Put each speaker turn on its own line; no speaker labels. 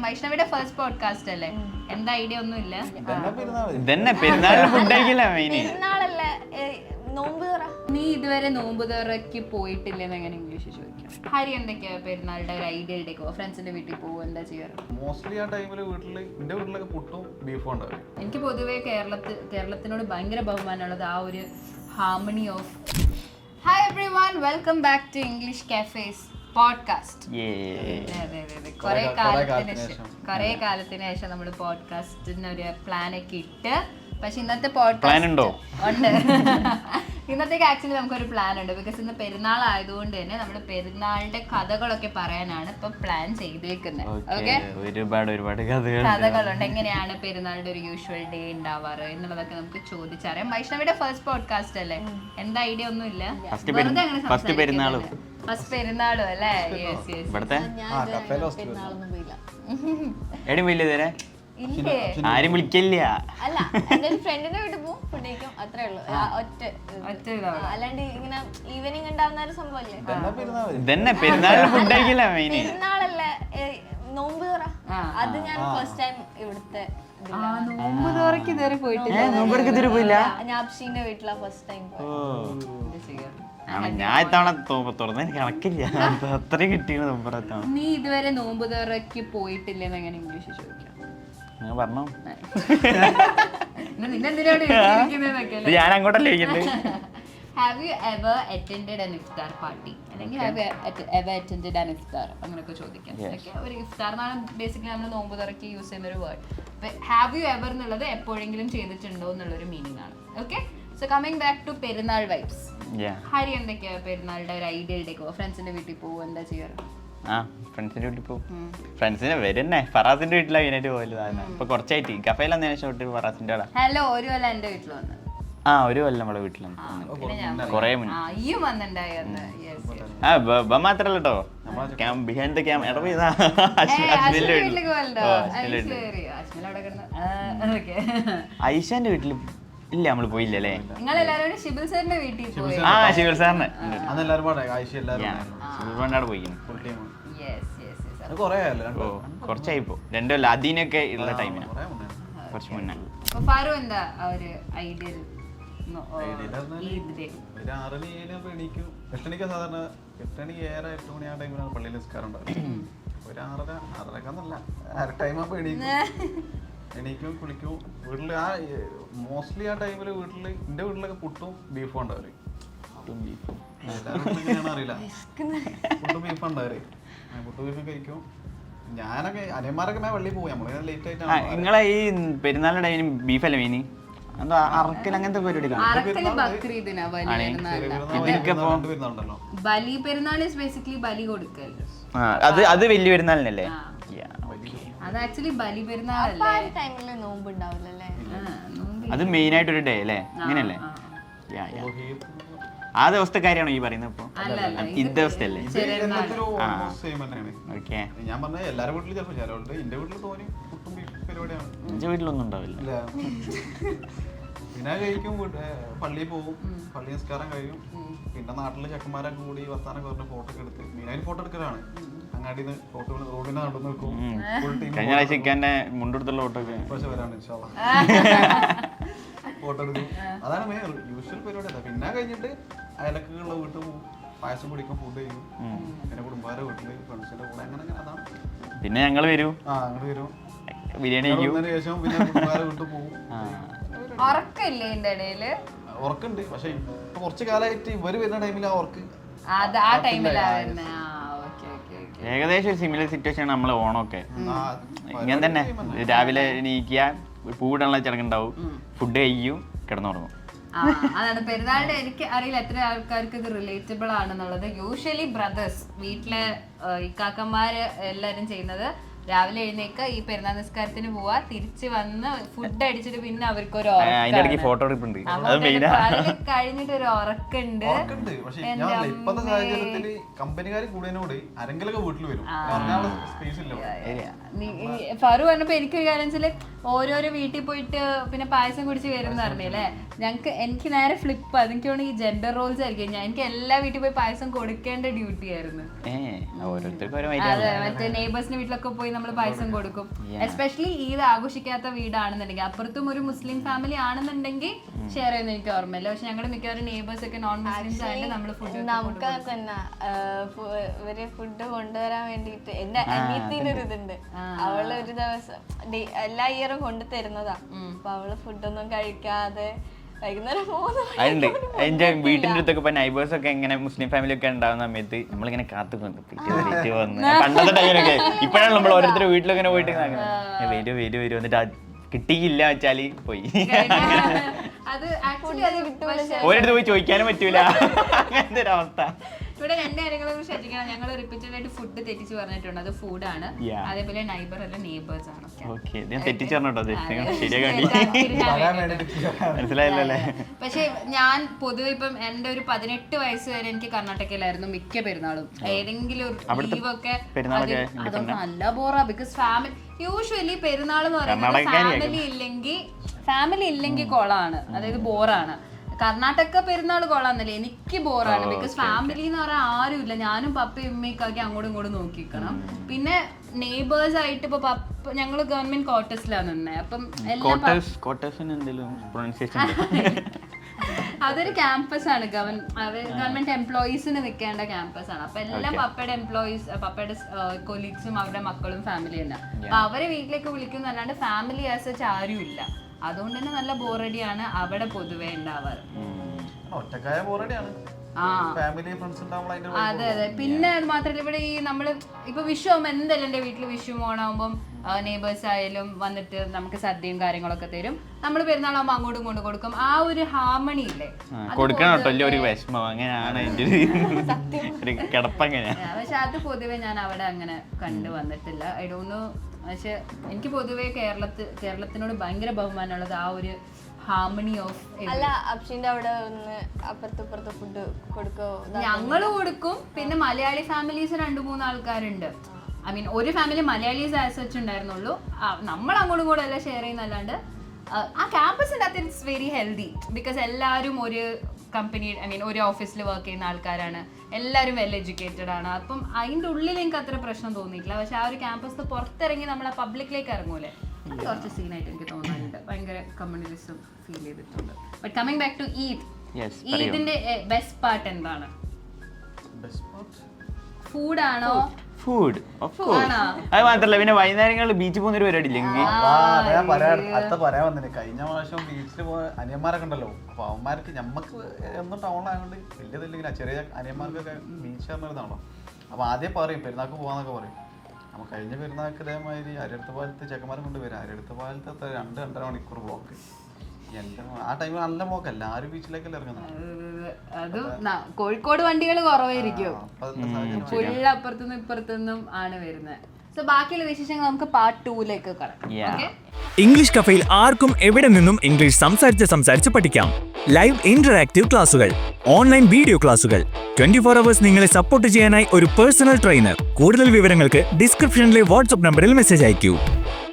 വൈഷ്ണവിയുടെ first podcast അല്ലേ? എന്താ idea ഒന്നും ഇല്ല.
പെരുന്നാളല്ലേ നോമ്പ് തുറ.
നീ ഇതുവരെ നോമ്പ് തുറക്ക് പോയിട്ടില്ലെന്ന് എങ്ങനെ ഇംഗ്ലീഷ് ചോദിക്കാം? ഹരി എന്തൊക്കെയാ പെരുന്നാളുടെ ഒരു ഐഡിയ ഇടയ്ക്കോ ഫ്രണ്ട്സിന്റെ വീട്ടിൽ പോകുമോ എന്താ ചെയ്യാറ്?
മോസ്റ്റ്ലി ആ ടൈമില് എന്റെ വീട്ടിലൊക്കെ പുട്ടും ബീഫും ഉണ്ടാവും.
എനിക്ക് പൊതുവേ കേരളത്തിനോട് ഭയങ്കര ബഹുമാനമുള്ളത് ആ ഒരു harmony of. Hi everyone, welcome back to English cafes podcast. കുറെ കാലത്തിന് ശേഷം നമ്മൾ പോഡ്കാസ്റ്റിന് ഒരു പ്ലാൻ ഒക്കെ ഇട്ട്, പക്ഷെ ഇന്നത്തെ പോഡ്കാസ്റ്റ് ഉണ്ട്. ഇന്നത്തേക്ക് ആക്ച്വലി നമുക്കൊരു പ്ലാൻ ഉണ്ട്. ബിക്കോസ് ഇന്ന് പെരുന്നാൾ ആയതുകൊണ്ട് തന്നെ നമ്മൾ പെരുന്നാളിന്റെ കഥകളൊക്കെ പറയാനാണ് ഇപ്പൊ പ്ലാൻ ചെയ്തേക്കുന്നത്. ഓക്കെ,
ഒരുപാട്
കഥകളുണ്ട്. എങ്ങനെയാണ് പെരുന്നാളിന്റെ ഒരു യൂഷ്വൽ ഡേ ഉണ്ടാവാറ് എന്നുള്ളതൊക്കെ നമുക്ക് ചോദിച്ചറിയാം. വൈഷ്ണവിയുടെ ഫസ്റ്റ് പോഡ്കാസ്റ്റ് അല്ലേ? എന്താ ഐഡിയ ഒന്നും ഇല്ല.
ഫസ്റ്റ് പെരുന്നാളും
അല്ലേ?
പെരുന്നാളൊന്നും പോയില്ല.
എടി വലിയ
ഇല്ലേ?
ആരും വിളിക്കില്ല.
അല്ല, എന്റെ ഒരു ഫ്രണ്ടിന്റെ വീട്ടിൽ പോകും, ഫുഡ് കഴിക്കും, അത്രേ ഉള്ളൂ. ഒറ്റ അല്ലാണ്ട് ഇങ്ങനെ ഈവനിങ് ഉണ്ടാവുന്ന ഒരു സംഭവല്ലേ.
ഇതന്നെ പെരുന്നാളിന് ഫുഡ് കഴിക്കില്ല.
പെരുന്നാളല്ലേ നോമ്പ് തുറ. അത് ഞാൻ ഫസ്റ്റ് ടൈം ഇവിടുത്തെ
നോമ്പ് തുറക്ക് ഇതുവരെ
പോയില്ല.
ഞാപ്ഷീന്റെ വീട്ടിലാ ഫസ്റ്റ് ടൈം.
ഞാൻ ഇത്തവണ തുറന്ന് എനിക്ക് കണക്കില്ല, അത്രയും കിട്ടിയാണ് നോമ്പ്.
നീ ഇതുവരെ നോമ്പ് തുറക്ക് പോയിട്ടില്ലെന്ന് എങ്ങനെ ഇംഗ്ലീഷ് ചോദിക്കാം?
പറഞ്ഞോ,
ഞാൻ
അങ്ങോട്ടല്ലേ ചോദിക്കുന്നത്.
Have you ever attended an iftar party? അല്ലെങ്കിൽ have you ever attended an iftar? അങ്ങനെയൊക്കെ ചോദിക്കാം. ഒരു ഇഫ്താർ എന്നാണ് ബേസിക്കലി നമ്മൾ നോമ്പ് തുറക്കി യൂസ് ചെയ്യുന്ന ഒരു വേർഡ്. ഹാവ് യു എവർ എന്നുള്ളത് എപ്പോഴെങ്കിലും ചെയ്തിട്ടുണ്ടോ എന്നുള്ളൊരു മീനിങ് ആണ്. Okay, so coming back to Perunnal vibes. Hari എന്തൊക്കെയാ പെരുന്നാളുടെ ഒരു ഐഡിയ ഇടയ്ക്കോ ഫ്രണ്ട്സിന്റെ വീട്ടിൽ പോകുമോ എന്താ ചെയ്യാറ്?
ഫ്രണ്ട്സിന്റെ വീട്ടിൽ പോകും. ഫ്രണ്ട്സിനെ വരുന്നേ ഫറാസിന്റെ വീട്ടിലാണ് മെയിനായിട്ട് പോകല്. ഇപ്പൊ കുറച്ചായിട്ട് കഫേയിൽ വന്നതിന് ശേഷം ഫറാസിന്റെ അവിടെ.
ഹലോ, ഒരു കൊല്ലം എന്റെ വീട്ടിൽ വന്നു.
ഒരു കൊല്ലം നമ്മുടെ വീട്ടിലാണ് കൊറേ മുന്നേ മാത്രല്ല കേട്ടോ, ബിഹൈൻഡ് ദ ക്യാം ഐഷാന്റെ വീട്ടിൽ ഇല്ല, നമ്മള് പോയില്ലേ.
ഷിബിൽ സാറിന്റെ വീട്ടിൽ പോയി.
ഷിബിൽ സാറിന് കുറച്ചായിപ്പോ 2 കൊല്ലം അതിനൊക്കെ ഉള്ള ടൈമിന് കുറച്ച് മുന്നേ.
ഫാറു എന്താ ഒരു ഐഡിയൽ
സാധാരണ 8 മണി ആ ടൈമിലാണ് പള്ളിയിൽ നിസ്കാരം ഉണ്ടാവും. ഒരു 6:30 ടൈം ആകുമ്പോ എണീക്കും, കുളിക്കും. വീട്ടില് മോസ്റ്റ്ലി ആ ടൈമില് എന്റെ വീട്ടിലൊക്കെ പുട്ടും ബീഫും ഉണ്ടാവും. അറിയില്ല, പുട്ടും ബീഫും ഉണ്ടാവും. പുട്ടും ബീഫും കഴിക്കും. ഞാനൊക്കെ അനിയന്മാരൊക്കെ പള്ളിയിൽ പോകും. നമ്മള് ലേറ്റ് ആയിട്ടാണ്.
നിങ്ങളെ ഈ പെരുന്നാളിന്റെ ടൈമിന് ബീഫല്ലേ മീന്? അറക്കൽ അങ്ങനത്തെ പരിപാടി
ബലി പെരുന്നാൾ ബലി കൊടുക്കൽ.
അത് വലിയ പെരുന്നാളിനല്ലേ?
അത് ആക്ച്വലി ബലി പെരുന്നാളല്ലേ?
നോമ്പ് ഉണ്ടാവില്ലല്ലേ?
അത് മെയിൻ ആയിട്ടൊരു ഡേ അല്ലേ? അങ്ങനെയല്ലേ? ആ ദിവസത്തെ കാര്യമാണോ ഈ പറയുന്നത്? ഇപ്പൊ ഈ ദിവസത്തല്ലേ?
ഞാൻ പറഞ്ഞ എല്ലാരും വീട്ടിലും ചിലപ്പോ ചിലവുണ്ട്. എന്റെ വീട്ടിൽ തോന്നി പുട്ടും ബീഫ് പരിപാടിയാണ്.
എന്റെ വീട്ടിലൊന്നും ഉണ്ടാവില്ല.
പിന്നെ കഴിക്കും, പള്ളിയിൽ പോകും, പള്ളി നിസ്കാരം കഴിയും. പിന്നെ നാട്ടിലെ ചെക്കന്മാരൊക്കെ കൂടി വർത്താനം പറഞ്ഞ് ഫോട്ടോ ഒക്കെ എടുത്ത്, മെയിനായിട്ട് ഫോട്ടോ എടുക്കലാണ്. അങ്ങാടിന്ന് ഫോട്ടോ റോഡിന്റെ നടന്നു നിൽക്കും.
കഴിഞ്ഞ ആഴ്ച മുണ്ടെടുത്തുള്ള ഫോട്ടോ ഒക്കെ
പക്ഷെ വരാണ് ഫോട്ടോ എടുക്കും. അതാണ് മെയിൻ യൂഷ്വൽ പരിപാടി. പിന്നെ കഴിഞ്ഞിട്ട് അയലക്കുള്ള വീട്ടിൽ പോകും, പായസം കുടിക്കും, ഫുഡ് ചെയ്യും. പിന്നെ കുടുംബാരെ വീട്ടില് ഫ്രണ്ട്സിന്റെ കൂടെ അങ്ങനെ അങ്ങനെ.
പിന്നെ ഞങ്ങള് വരും,
അങ്ങോട്ട് വരും,
ബിരിയാണി
ശേഷം പിന്നെ കുടുംബാരെ വീട്ടിൽ പോകും. ഉറക്കുണ്ട്, പക്ഷെ ഇപ്പൊ കുറച്ച് കാലമായിട്ട് ഇവര് വരുന്ന ടൈമിൽ ആ ഉറക്ക്
ഏകദേശം ഒരു സിമിലർ സിറ്റുവേഷൻ ആണ് നമ്മളെ ഓണമൊക്കെ. ഇങ്ങനെ തന്നെ രാവിലെ എണീക്കുക, പൂവിടാനുള്ള ചടങ്ങുണ്ടാവും, ഫുഡ് കഴിക്കും, കിടന്നുറങ്ങും.
അതാണ് പെരുന്നാളിന്റെ. എനിക്ക് അറിയില്ല എത്ര ആൾക്കാർക്ക് ഇത് റിലേറ്റബിൾ ആണെന്നുള്ളത്. യൂഷ്വലി ബ്രദേഴ്സ് വീട്ടിലെ ഇക്കാക്കന്മാര് എല്ലാരും ചെയ്യുന്നത് രാവിലെ എഴുന്നേക്ക, ഈ പെരുന്നാൾ നിസ്കാരത്തിന് പോവാ, തിരിച്ച് വന്ന് ഫുഡ് അടിച്ചിട്ട് പിന്നെ അവർക്കൊരു
ഫോട്ടോ
കഴിഞ്ഞിട്ട് ഒരു ഉറക്കുണ്ട്.
ഇപ്പത്തെ സാഹചര്യത്തില് കമ്പനിക്കാർ കൂടിയതിനോട് ആരെങ്കിലൊക്കെ വീട്ടിൽ വരും.
ഫറു പറഞ്ഞപ്പോ എനിക്കൊരു കാര്യം വെച്ചാല് ഓരോരോ വീട്ടിൽ പോയിട്ട് പിന്നെ പായസം കുടിച്ച് വരുന്ന പറഞ്ഞല്ലേ. എനിക്ക് നേരെ ഫ്ലിപ്പ്. എനിക്ക് തോന്നുന്നു ഈ ജെൻഡർ റോൾസ് ആയിരിക്കും. എനിക്ക് എല്ലാ വീട്ടിൽ പോയി പായസം കൊടുക്കേണ്ട ഡ്യൂട്ടി ആയിരുന്നു. അതെ, മറ്റേ നെയ്ബേഴ്സിന്റെ വീട്ടിലൊക്കെ പോയി നമ്മൾ പായസം കൊടുക്കും. എസ്പെഷ്യലി ഈദ് ആഘോഷിക്കാത്ത വീടാണെന്നുണ്ടെങ്കിൽ, അപ്പുറത്തും ഒരു മുസ്ലിം ഫാമിലി ആണെന്നുണ്ടെങ്കിൽ ഷെയർ ചെയ്യുന്ന എനിക്ക് ഓർമ്മയില്ല. പക്ഷെ ഞങ്ങളുടെ മിക്കവാറും നെയ്ബേഴ്സ് ഒക്കെ നോൺ മുസ്ലിംസ് ആയിട്ട് നമ്മൾ ഫുഡ്
ഇവര് ഫുഡ് കൊണ്ടുവരാൻ വേണ്ടിട്ട് എന്റെ അനിയത്തിന്റെ ഒരു ഇതുണ്ട്. അവള് ഒരു ദിവസം എല്ലാ ഇയറും കൊണ്ടു തരുന്നതാ. അപ്പൊ അവള് ഫുഡൊന്നും കഴിക്കാതെ വൈകുന്നേരം 3
അതുണ്ട്. എന്റെ വീട്ടിന്റെ അടുത്തൊക്കെ ഇപ്പൊ നൈബേഴ്സ് ഒക്കെ ഇങ്ങനെ മുസ്ലിം ഫാമിലി ഒക്കെ ഉണ്ടാവുന്ന സമയത്ത് നമ്മളിങ്ങനെ കാത്തുകൊണ്ട് പണ്ടത്തെ ടൈമിലൊക്കെ. ഇപ്പോഴാണ് നമ്മൾ ഓരോരുത്തരുടെ വീട്ടിലൊക്കെ പോയിട്ട് വരും എന്നിട്ട് കിട്ടിയില്ല വെച്ചാല് പോയി ഓരോരുത്തർ പോയി ചോദിക്കാനും പറ്റൂല. അങ്ങനത്തെ ഒരു അവസ്ഥ.
ഇവിടെ 2 കാര്യങ്ങളും ശ്രദ്ധിക്കണം. ഞങ്ങൾ റിപ്പീറ്റഡ് ആയിട്ട് ഫുഡ് തെറ്റിച്ച് പറഞ്ഞിട്ടുണ്ട്. അത് ഫുഡാണ്. അതേപോലെ നൈബർ അല്ല നെയ്ബേഴ്സ് ആണ്.
മനസ്സിലായില്ലേ?
പക്ഷെ ഞാൻ പൊതുവെ ഇപ്പം എന്റെ ഒരു 18 വയസ്സ് വരെ എനിക്ക് കർണാടകയിലായിരുന്നു മിക്ക പെരുന്നാളും. ഏതെങ്കിലും ഒരു ലീവൊക്കെ അതൊന്നും നല്ല ബോറാ. ബിക്കോസ് ഫാമിലി യൂഷ്വലി പെരുന്നാൾ എന്ന് പറയുന്നത് ഫാമിലി ഇല്ലെങ്കിൽ കൊളാണ്, അതായത് ബോറാണ്. കർണാടക പെരുന്നാൾ കൊള്ളാന്നല്ലേ, എനിക്ക് ബോറാണ്. ബിക്കോസ് ഫാമിലി എന്ന് പറയാൻ ആരുമില്ല. ഞാനും പപ്പയും ഉമ്മയൊക്കെ അങ്ങോട്ടും ഇങ്ങോട്ടും നോക്കിക്കണം. പിന്നെ നെയ്ബേഴ്സ് ആയിട്ട് ഇപ്പൊ പപ്പ ഞങ്ങള് ഗവൺമെന്റ് ക്വാർട്ടേഴ്സിലാണ് നിന്നെ. അപ്പം അതൊരു ക്യാമ്പസ് ആണ്. ഗവൺമെന്റ് എംപ്ലോയീസിന് നിൽക്കേണ്ട ക്യാമ്പസ് ആണ്. അപ്പൊ എല്ലാം പപ്പയുടെ എംപ്ലോയീസ്, പപ്പയുടെ കൊലീഗ്സും അവരുടെ മക്കളും ഫാമിലി തന്നെ. അപ്പൊ അവരെ വീട്ടിലേക്ക് വിളിക്കുന്നല്ലാണ്ട് ഫാമിലി ആസ് സച്ച് ആരും ഇല്ല. അതുകൊണ്ട് തന്നെ നല്ല ബോറടിയാണ് അവിടെ പൊതുവെ ഉണ്ടാവാറ്. അതെ അതെ. പിന്നെ അത് മാത്രമല്ല, ഇവിടെ ഈ നമ്മള് ഇപ്പൊ വിഷു ആകുമ്പോ എന്തായാലും എന്റെ വീട്ടിൽ വിഷു ഓണാകുമ്പോൾ നെയ്ബേഴ്സ് ആയാലും വന്നിട്ട് നമുക്ക് സദ്യയും കാര്യങ്ങളൊക്കെ തരും. നമ്മൾ പെരുന്നാളാകുമ്പോൾ അങ്ങോട്ടും ഇങ്ങോട്ടും കൊടുക്കും. ആ ഒരു ഹാർമണി ഇല്ലേ, പക്ഷെ അത് പൊതുവെ ഞാൻ അവിടെ അങ്ങനെ കണ്ടു വന്നിട്ടില്ല. I don't know. പക്ഷെ എനിക്ക് പൊതുവെ കേരളത്തിനോട് ഭയങ്കര ബഹുമാനമുള്ളത് ആ ഒരു ഹാർമണി ഓഫ്.
അല്ല, അപ്ഷിന്റെ അവിടെ അപ്പുറത്ത് ഫുഡ് കൊടുക്കോ?
ഞങ്ങള് കൊടുക്കും. പിന്നെ മലയാളി ഫാമിലീസ് 2-3 ആൾക്കാരുണ്ട്. ഐ മീൻ ഒരു ഫാമിലി മലയാളീസ് ആസ് സച്ച് ഉണ്ടായിരുന്നുള്ളൂ. നമ്മൾ അങ്ങോട്ടും കൂടെ എല്ലാം ഷെയർ ചെയ്യുന്നല്ലാണ്ട് ആ ക്യാമ്പസിൻ്റെ അകത്ത് ഇറ്റ്സ് വെരി ഹെൽത്തി. ബിക്കോസ് എല്ലാവരും ഒരു കമ്പനി, ഐ മീൻ ഒരു ഓഫീസിൽ വർക്ക് ചെയ്യുന്ന ആൾക്കാരാണ്. എല്ലാവരും വെൽ എഡ്യൂക്കേറ്റഡ് ആണ്. അപ്പം അതിൻ്റെ ഉള്ളിൽ എനിക്ക് അത്ര പ്രശ്നം തോന്നിയിട്ടില്ല. പക്ഷെ ആ ഒരു ക്യാമ്പസിന് പുറത്തിറങ്ങി നമ്മൾ ആ പബ്ലിക്കിലേക്ക് ഇറങ്ങൂലേ, അത് കുറച്ച് സീനായിട്ട് എനിക്ക് തോന്നാറുണ്ട്. ഭയങ്കര കമ്മ്യൂണിസം ഫീൽ ചെയ്തിട്ടുണ്ട്. But coming back to Eid, ഈദിന്റെ ബെസ്റ്റ് പാർട്ട് എന്താണ്? ഫുഡാണോ?
ഫുഡ് അത് മാത്രല്ല, പിന്നെ വൈകുന്നേരങ്ങളിൽ ബീച്ചിൽ പോകുന്ന ഒരു പരിപാടി ഇല്ലെങ്കിൽ
പറയാൻ വന്നിട്ട് കഴിഞ്ഞ പ്രാവശ്യം ബീച്ചിൽ പോയ അനിയന്മാരൊക്കെ ഉണ്ടല്ലോ. അപ്പൊ അവന്മാർക്ക് ഞമ്മക്ക് എന്നും ടൗണിലായതുകൊണ്ട് വലിയതില്ലെങ്കിൽ ചെറിയ അനിയന്മാർക്കൊക്കെ ബീച്ച് പറഞ്ഞിരുന്നാണോ. അപ്പൊ ആദ്യം പറയും പെരുന്നാൾക്ക് പോകാന്നൊക്കെ പറയും. അപ്പൊ കഴിഞ്ഞ പെരുന്നാൾക്ക് ഇതേമാതിരി അരിയടുത്ത പാലത്ത് ചെക്കന്മാരെ കൊണ്ടുവരും. അരിയടുത്ത പാലത്ത് 2-2.5 മണിക്കൂർ ബ്ലോക്ക്. ആ ടൈമിൽ നല്ല ബ്ലോക്ക്, എല്ലാവരും ബീച്ചിലേക്കല്ലേ ഇറങ്ങുന്നത്.
അത് കോഴിക്കോട് വണ്ടികൾ കുറവായിരിക്കും, ഫുൾ അപ്പുറത്തുനിന്നും ഇപ്പുറത്തുനിന്നും ആണ് വരുന്നത്. സോ ബാക്കിയുള്ള വിശേഷങ്ങൾ നമുക്ക് പാർട്ട് 2ലേക്ക് കടക്കാം.
ഇംഗ്ലീഷ് കഫേയിൽ ആർക്കും എവിടെ നിന്നും ഇംഗ്ലീഷ് സംസാരിച്ച് പഠിക്കാം. ലൈവ് ഇന്ററാക്റ്റീവ് ക്ലാസുകൾ, ഓൺലൈൻ വീഡിയോ ക്ലാസുകൾ, 24 hours നിങ്ങളെ സപ്പോർട്ട് ചെയ്യാനായി ഒരു പേഴ്സണൽ ട്രെയിനർ. കൂടുതൽ വിവരങ്ങൾക്ക് ഡിസ്ക്രിപ്ഷനിലെ വാട്സ്ആപ്പ് നമ്പറിൽ മെസ്സേജ് അയക്കൂ.